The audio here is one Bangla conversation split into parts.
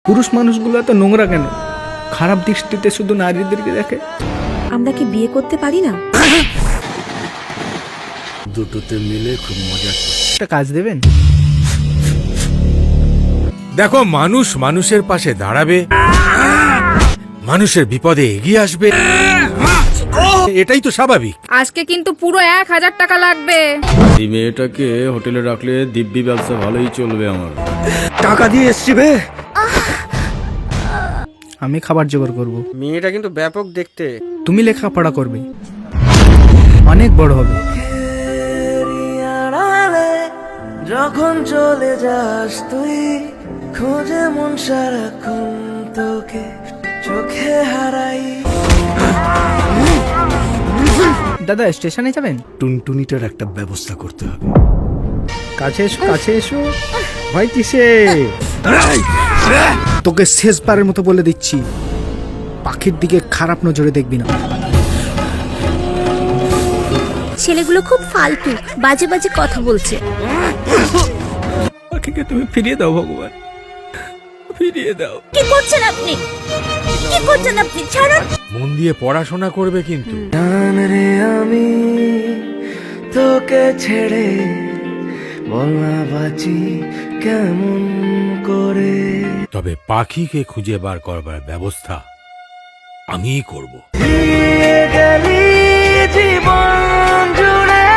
পুরুষ মানুষগুলো এত নোংরা কেন? খারাপ দৃষ্টিতে শুধু নারীদেরকে দেখে। আমরা কি বিয়ে করতে পারি না? দুটোতে মিলে খুব মজা। একটা কাজ দেবেন? দেখো, মানুষ মানুষের পাশে দাঁড়াবে, মানুষের বিপদে এগিয়ে আসবে, এটাই তো স্বাভাবিক। আজকে কিন্তু পুরো 1000 টাকা লাগবে। এই মেয়েটাকে হোটেলে রাখলে দিব্যি ব্যবসা ভালোই চলবে আমার। টাকা দিয়ে এসছি বে। আমি খাবার জোগাড় করব, মেয়েটা কিন্তু ব্যাপক দেখতে। তুমি লেখাপড়া করবে, অনেক বড় হবে। যখন চলে যাস তুই, খোঁজে মন সারাক্ষণ তোকে, চোখে হারাই। দাদা স্টেশনে যাবেন? টুনটুনিটার একটা ব্যবস্থা করতে হবে। কাছে এসো, কাছে এসো। ভয় কিসে? তোকে শেষবারের মতো বলে দিচ্ছি, পাখির দিকে খারাপ নজরে দেখবি না। ছেলেগুলো খুব ফালতু, বাজে বাজে কথা বলছে। পাখিকে তুমি ফিরিয়ে দাও ভগবান, ফিরিয়ে দাও। কি করছেন আপনি? কি করছেন আপনি? ছাড়ুন। মন দিয়ে পড়াশোনা করবে কিন্তু। জান রে আমি তোকে ছেড়ে, বল না বাঁচি কেমন করে। তবে পাখিকে খুঁজে বার করবার ব্যবস্থা আমিই করব। দিয়ে গেলি জীবন জুড়ে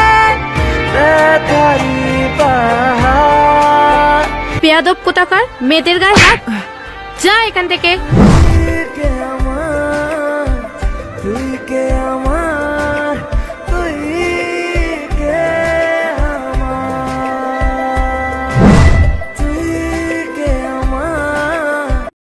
ব্যথারি পাহাড়। বেয়াদব কোথাকার, মেয়েদের গায়ে হাত। যা এখান থেকে। তুই কে আমার, তুই কে আমার।